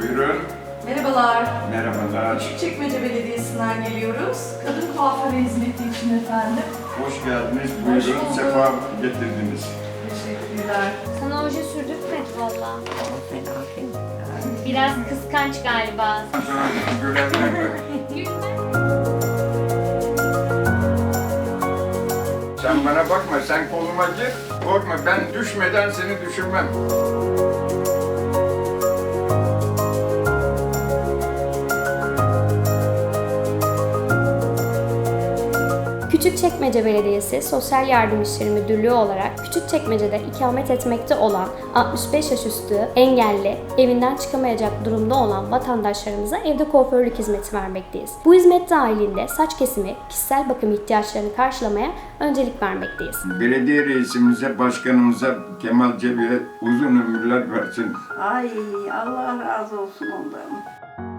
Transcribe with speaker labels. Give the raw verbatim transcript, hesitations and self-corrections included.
Speaker 1: Buyurun.
Speaker 2: Merhabalar.
Speaker 1: Merhabalar.
Speaker 2: Küçükçekmece Belediyesi'nden geliyoruz. Kadın kuaförü hizmeti için efendim.
Speaker 1: Hoş geldiniz.
Speaker 2: Hoş
Speaker 1: Buyurun.
Speaker 2: bulduk.
Speaker 1: Sefa getirdiniz.
Speaker 2: Teşekkürler.
Speaker 3: Sana oje sürdürtmedi valla.
Speaker 4: Ama fena değil.
Speaker 3: Biraz kıskanç galiba.
Speaker 1: Sonra görevler. Sen bana bakma, sen koluma gir. Korkma, ben düşmeden seni düşürmem.
Speaker 5: Küçükçekmece Belediyesi Sosyal Yardım İşleri Müdürlüğü olarak Küçükçekmece'de ikamet etmekte olan altmış beş yaş üstü engelli, evinden çıkamayacak durumda olan vatandaşlarımıza evde kuaförlük hizmeti vermekteyiz. Bu hizmet dahilinde saç kesimi, kişisel bakım ihtiyaçlarını karşılamaya öncelik vermekteyiz.
Speaker 1: Belediye reisimize, başkanımıza Kemal Cebi'ye uzun ömürler versin.
Speaker 4: Ay Allah razı olsun ondan.